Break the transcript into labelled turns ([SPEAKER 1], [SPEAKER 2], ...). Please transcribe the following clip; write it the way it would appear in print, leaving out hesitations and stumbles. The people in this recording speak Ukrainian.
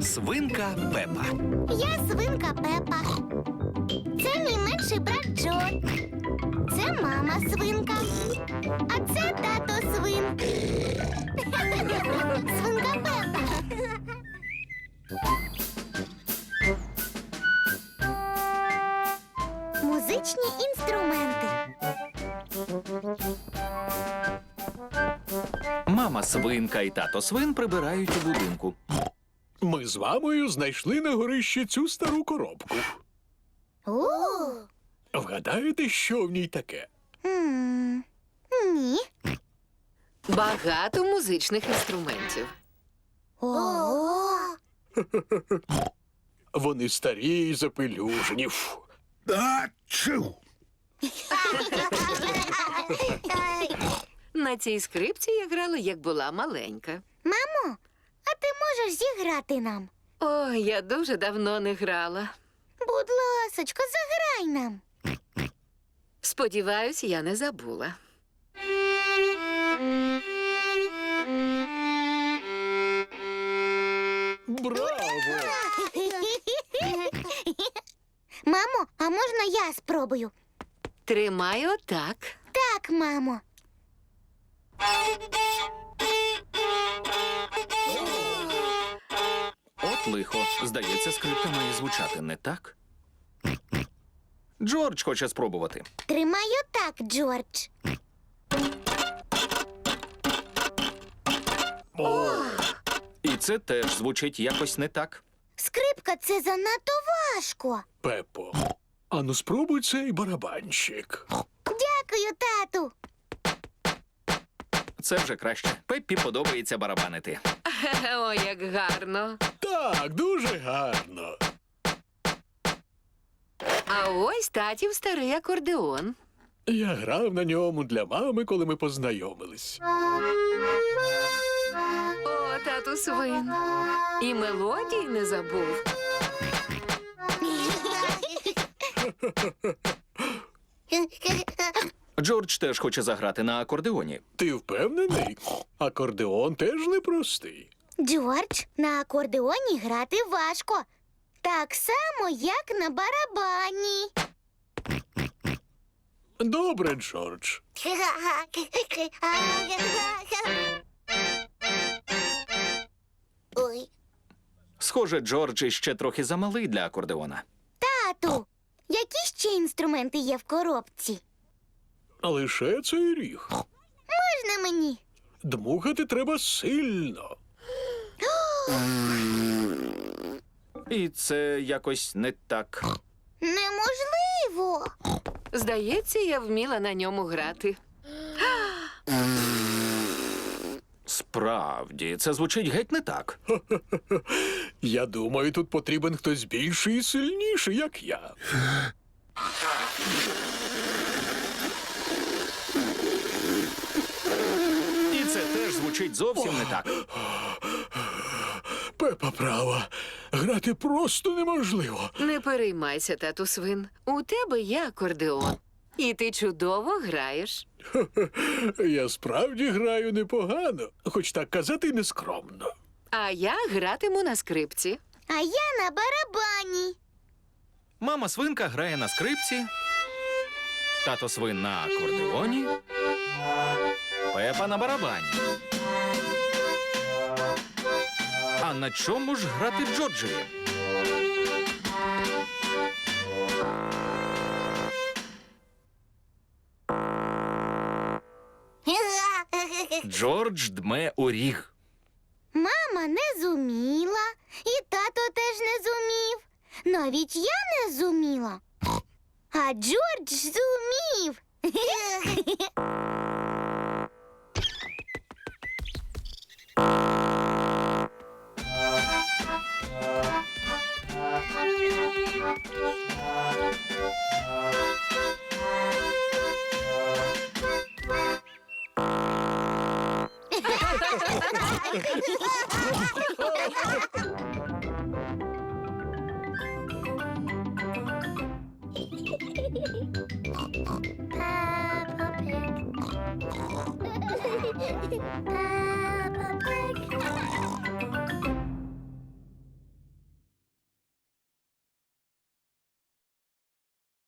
[SPEAKER 1] Свинка Пепа.
[SPEAKER 2] Я свинка Пепа. Це мій менший брат Джо. Це мама свинка. А це тато свин. Свинка Пепа. Музичні інструменти.
[SPEAKER 1] Мама свинка і тато свин прибирають у будинку.
[SPEAKER 3] Ми з мамою знайшли на горищі цю стару коробку.
[SPEAKER 2] О!
[SPEAKER 3] Вгадаєте, що в ній таке?
[SPEAKER 2] Ні.
[SPEAKER 4] Багато музичних інструментів.
[SPEAKER 2] Ого!
[SPEAKER 3] Вони старі і запелюжені. Фу.
[SPEAKER 4] На цій скрипці я грала, як була маленька.
[SPEAKER 2] Мамо, а ти можеш зіграти нам?
[SPEAKER 4] О, я дуже давно не грала.
[SPEAKER 2] Будь ласочка, заграй нам.
[SPEAKER 4] Сподіваюсь, я не забула.
[SPEAKER 3] Браво!
[SPEAKER 2] Мамо, а можна я спробую?
[SPEAKER 4] Тримай отак.
[SPEAKER 2] Так, мамо.
[SPEAKER 1] От лихо. Здається, скрипка має звучати не так. Джордж хоче спробувати.
[SPEAKER 2] Тримай отак, Джордж.
[SPEAKER 1] І це теж звучить якось не так.
[SPEAKER 2] Скрипка — це занадто важко.
[SPEAKER 3] Пепо, ану спробуй цей барабанщик.
[SPEAKER 2] Дякую, тату.
[SPEAKER 1] Це вже краще. Пеппі подобається барабанити.
[SPEAKER 4] О, як гарно.
[SPEAKER 3] Так, дуже гарно.
[SPEAKER 4] А ось татів старий акордеон.
[SPEAKER 3] Я грав на ньому для мами, коли ми познайомились.
[SPEAKER 4] О, тату свин. І мелодій не забув.
[SPEAKER 1] Джордж теж хоче заграти на акордеоні.
[SPEAKER 3] Ти впевнений? Акордеон теж непростий.
[SPEAKER 2] Джордж, на акордеоні грати важко. Так само, як на барабані.
[SPEAKER 3] Добре, Джордж.
[SPEAKER 2] Ой,
[SPEAKER 1] Схоже, Джордж іще трохи замалий для акордеона.
[SPEAKER 2] тату, які ще інструменти є в коробці?
[SPEAKER 3] Лише цей ріг.
[SPEAKER 2] Можна мені?
[SPEAKER 3] Дмухати треба сильно.
[SPEAKER 1] І це якось не так.
[SPEAKER 2] Неможливо.
[SPEAKER 4] Здається, я вміла на ньому грати.
[SPEAKER 1] Справді, це звучить геть не так.
[SPEAKER 3] Я думаю, тут потрібен хтось більший і сильніший, як я.
[SPEAKER 1] І це теж звучить зовсім не так.
[SPEAKER 3] Пепа права. Грати просто неможливо.
[SPEAKER 4] Не переймайся, тату свин. У тебе є акордеон. І ти чудово граєш.
[SPEAKER 3] Я справді граю непогано, хоч так казати нескромно.
[SPEAKER 4] А я гратиму на скрипці.
[SPEAKER 2] А я на барабані.
[SPEAKER 1] Мама свинка грає на скрипці, тато свин на акордеоні, Пепа на барабані. А на чому ж грати Джорджеві? Джордж дме у ріг.
[SPEAKER 2] Мама не зуміла, і тато теж не зумів. Навіть я не зуміла. А Джордж зумів. Peppa Pig.